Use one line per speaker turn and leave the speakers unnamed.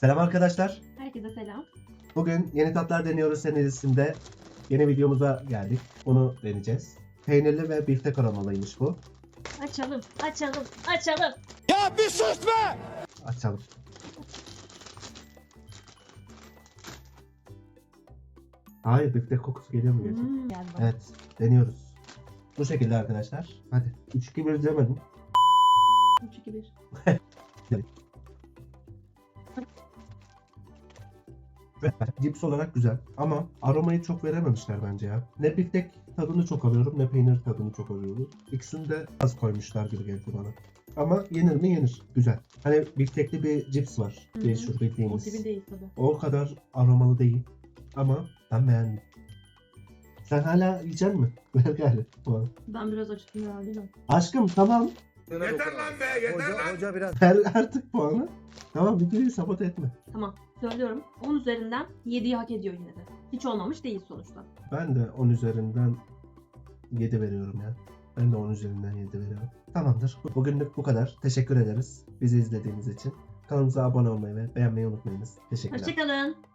Selam arkadaşlar.
Herkese selam.
Bugün Yeni Tatlar Deniyoruz serisinde yeni videomuza geldik. Bunu deneyeceğiz. Peynirli ve biftek aromalıymış bu.
Açalım, açalım, açalım.
Ya bir sus be!
Açalım. Hayır, biftek kokusu geliyor mu gerçekten?
Geldi bana.
Evet, deniyoruz. Bu şekilde arkadaşlar. Hadi. 3-2-1 demedim.
3, 2, 1.
Cips olarak güzel ama aromayı çok verememişler bence ya. Ne biftek tadını çok alıyorum ne peynir tadını çok alıyorum. İkisini de az koymuşlar gibi geldi bana. Ama yenir mi yenir. Güzel. Hani biftekli bir cips var.
Hı.
Meşhur
O
bildiğimiz.
gibi değil tabii.
O kadar aromalı değil. Ama ben beğendim. Sen hala yiyecek misin? Ver gari.
Ben biraz acıktım ya değil mi?
Aşkım tamam.
Yeter lan be, yeter lan! Hoca biraz...
Ver artık puanı. Tamam, videoyu sabote etme.
Tamam, söylüyorum. 10 üzerinden 7'yi hak ediyor yine de. Hiç olmamış değil sonuçta.
Ben de 10 üzerinden 7 veriyorum ya. Ben de 10 üzerinden 7 veriyorum. Tamamdır. Bugünlük bu kadar. Teşekkür ederiz bizi izlediğiniz için. Kanalımıza abone olmayı ve beğenmeyi unutmayınız. Teşekkürler.
Hoşçakalın.